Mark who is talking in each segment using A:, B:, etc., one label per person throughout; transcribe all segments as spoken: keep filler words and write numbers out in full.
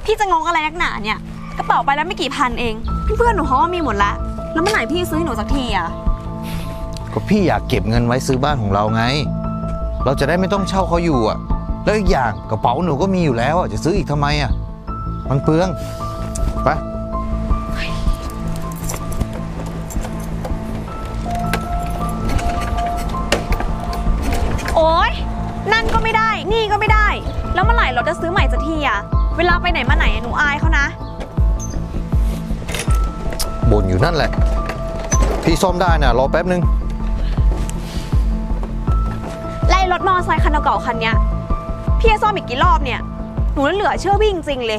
A: พี่จะงงอะไรนักหนาเนี่ยกระเป๋าไปแล้วไม่กี่พันเองเพื่อนๆหนูเขาก็มีหมดละแล้วเมื่อไหร่พี่ซื้อให้หนูสักทีอ่ะ
B: ก็พี่อยากเก็บเงินไว้ซื้อบ้านของเราไงเราจะได้ไม่ต้องเช่าเขาอยู่อ่ะแล้วอีกอย่างกระเป๋าหนูก็มีอยู่แล้วอ่ะจะซื้ออีกทำไมอ่ะมันเปลืองไป
A: โอ๊ยนั่นก็ไม่ได้นี่ก็ไม่ได้แล้วเมื่อไหร่เราจะซื้อใหม่สักทีอ่ะเวลาไปไหนมาไหนหนูอายเขานะ
B: บ่นอยู่นั่นแหละพี่ซ่อมได้นะรอแป๊บนึง
A: ไล่รถมอเตอร์ไซค์คันเก่าๆคันเนี้ยพี่จะซ่อมอีกกี่รอบเนี่ยหนูเหลือเชื่อวิ่งจริงเลย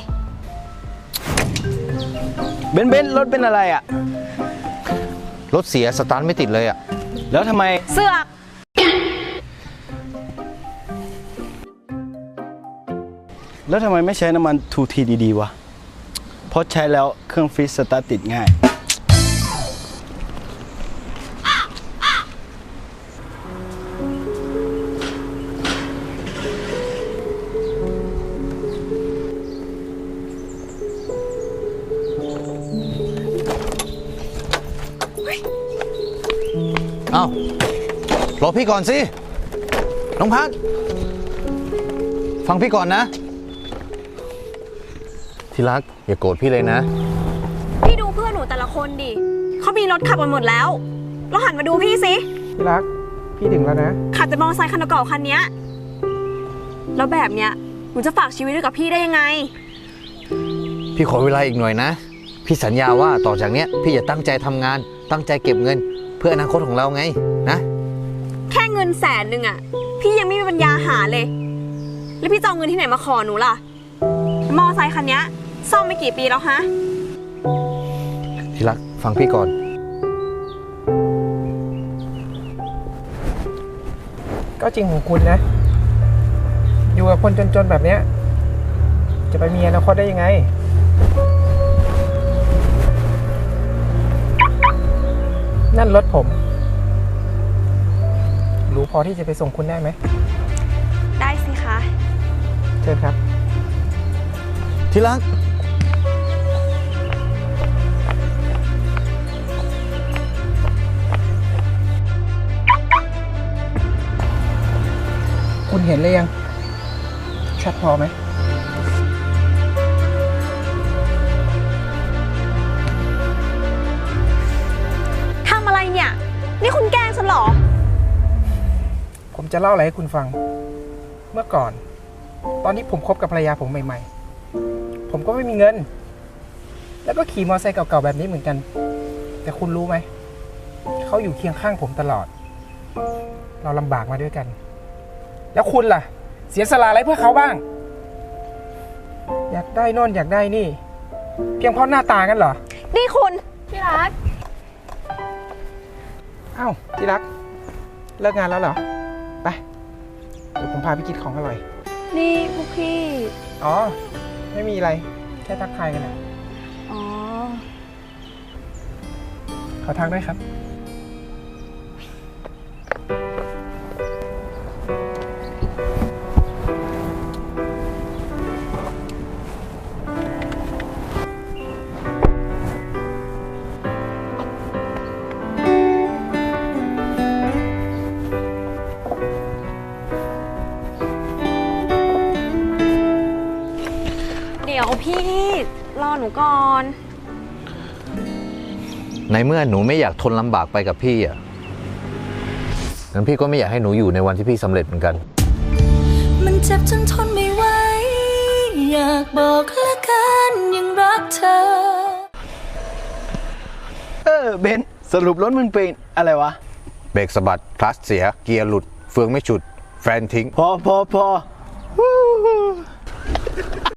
C: เบนเบนรถเป็นอะไรอ่ะ
B: รถเสียสตาร์ทไม่ติดเลยอ่ะ
C: แล้วทำไม
A: เสือก
C: แล้วทำไมไม่ใช้น้ำมันทูทีดีๆวะเพราะใช้แล้วเครื่องฟรีสตาร์ทติดง่าย
B: เอ้า รอพี่ก่อนสิ น้องพัดฟังพี่ก่อนนะ ที่รักอย่าโกรธพี่เลยนะ
A: พี่ดูเพื่อนหนูแต่ละคนดิเขามีรถขับกันหมดแล้วเราหันมาดูพี่สิ
D: ที่รักพี่ถึงแล้วนะ
A: ขับแต่มอเตอร์ไซค์คันเก่าคันนี้แล้วแบบเนี้ยหนูจะฝากชีวิตไว้กับพี่ได้ยังไง
B: พี่ขอเวลาอีกหน่อยนะพี่สัญญาว่าต่อจากเนี้ยพี่จะตั้งใจทำงานตั้งใจเก็บเงินเพื่ออนาคตของเราไงนะ
A: แค่เงินแสนหนึ่งอ่ะพี่ยังไม่มีปัญญาหาเลยแล้วพี่จะเอาเงินที่ไหนมาขอหนูล่ะมอเตอร์ไซค์คันนี้ซ่อมไม่กี่ปีแล้วฮะ
B: ที่รักฟังพี่ก่อน
D: ก็จริงของคุณนะอยู่กับคนจนๆแบบเนี้ยจะไปมีอนาคตได้ยังไงนั่นรถผมรู้พอที่จะไปส่งคุณได้ไหม
A: ได้สิคะ
D: เชิญครับ
B: ที่รัก
D: คุณเห็นเลยยังชัดพอไหม
A: ทำอะไรเนี่ยนี่คุณแกล้งฉันเหรอ
D: ผมจะเล่าอะไรให้คุณฟังเมื่อก่อนตอนที่ผมคบกับภรรยาผมใหม่ๆผมก็ไม่มีเงินแล้วก็ขี่มอเตอร์ไซค์เก่าๆแบบนี้เหมือนกันแต่คุณรู้ไหมเขาอยู่เคียงข้างผมตลอดเราลำบากมาด้วยกันแล้วคุณล่ะเสียสละอะไรเพื่อเขาบ้างอยากได้โน่นอยากได้นี่เพียงเพราะหน้าตากันเหรอ
A: นี่คุณที่รัก
D: อ้าวที่รักเลิกงานแล้วเหรอไปเดี๋ยวผมพาไปกินของอร่อย
A: นี่พวกพี่
D: อ๋อไม่มีอะไรแค่ทักทายกันนะ
A: อ๋อ
D: ขอทักด้วยครับ
A: เดี๋ยวพี่รอหนูก่อน
B: ในเมื่อหนูไม่อยากทนลำบากไปกับพี่อ่ะงั้นพี่ก็ไม่อยากให้หนูอยู่ในวันที่พี่สำเร็จเหมือนกัน
E: มันเจ็บจนทนไม่ไหวอยากบอกละกันยังรักเธอ
C: เออเบนสรุปรถมึงเป็นอะไรวะ
B: เบรกสะบัดคลัตช์เสียเกียร์หลุดเฟืองไม่ฉุดแฟนทิ้ง
C: พอพอพอ